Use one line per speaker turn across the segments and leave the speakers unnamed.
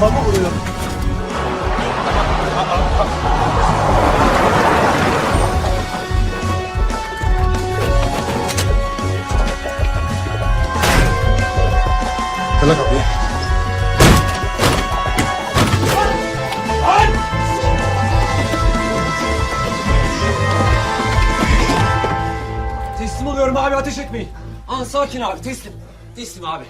kafamı vuruyor.
Kıla kapıyı.
Teslim oluyorum abi, ateş etmeyin. Sakin abi, teslim. Teslim abi.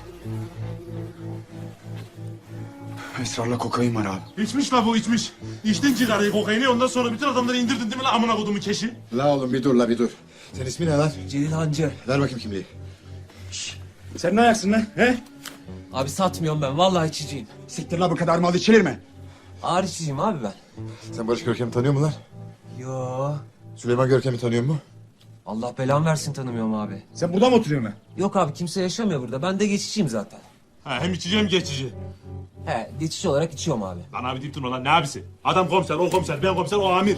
Esrarla kokain var abi.
İçmiş la bu içmiş. İçtin cigarayı kokaini ondan sonra bütün adamları indirdin değil mi la amına kodumu keşi?
La oğlum bir dur la bir dur. Senin ismin ne lan?
Celil Hancı.
Ver bakayım kimliği.
Sen ne ayaksın lan he?
Abi satmıyorum ben, vallahi içiciyim.
Siktir la bu kadar mal içilir mi?
Ağır içiciyim abi ben.
Sen Barış Görkem'i tanıyor musun lan?
Yo.
Süleyman Görkem'i tanıyor mu?
Allah belamı versin, tanımıyorum abi.
Sen burada mı oturuyorsun lan?
Yok abi, kimse yaşamıyor burada. Ben de geçiciyim zaten.
Ha, hem içici hem geçici.
He, geçici olarak içiyorum abi.
Lan abi deyip durma lan ne abisi? Adam komiser, o komiser, ben komiser, o amir.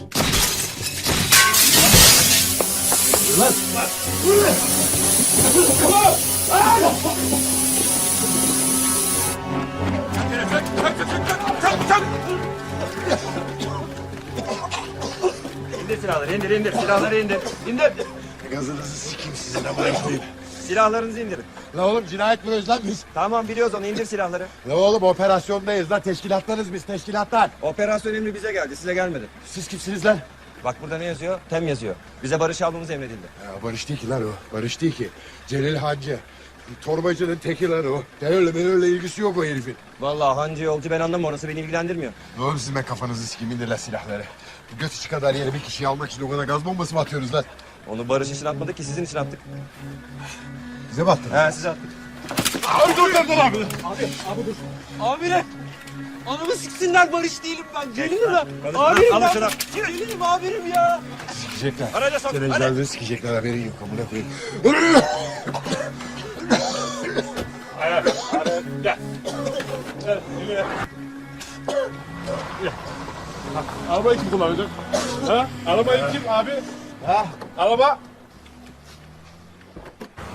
İndir silahları, indir. Silahları indir. İndir.
Gazınızı sikeyim sizin amına koyayım.
Silahlarınızı indirin.
La oğlum cinayet mi lan biz?
Tamam biliyoruz onu, indir silahları.
La oğlum operasyondayız lan teşkilatlarız biz teşkilatlar.
Operasyon emri bize geldi, size gelmedi.
Siz kimsiniz lan?
Bak burada ne yazıyor? Tem yazıyor. Bize barış almamız emredildi.
Ya Barış değil ki lan o. Barış değil ki. Celil Hancı. Torbacının teki lan o. Terörle ilgisi yok o herifin.
Vallahi hancı yolcu ben anlamam, orası beni ilgilendirmiyor.
Ne oğlum siz ben kafanızı sikeyim indir lan silahları. Bu göt içi kadar yere bir kişiyi almak için o kadar gaz bombası mı atıyoruz lan?
Onu barış için atmadık ki, sizin için attık.
Bize mi attınız?
He size attık.
Abi dur abi.
Amirim! Anamı siksinler, Barış değilim ben. Celilim ben.
Konuşma,
Amirim
al
ben.
şunu.
Celilim amirim ya.
Sikecekler.
Araca sok,
Senin
hadi.
canını sikecekler haberin yok amına koyayım.
Gel. Arabayı kim kullanacak? Ha? Arabayı kim abi? Ha? Araba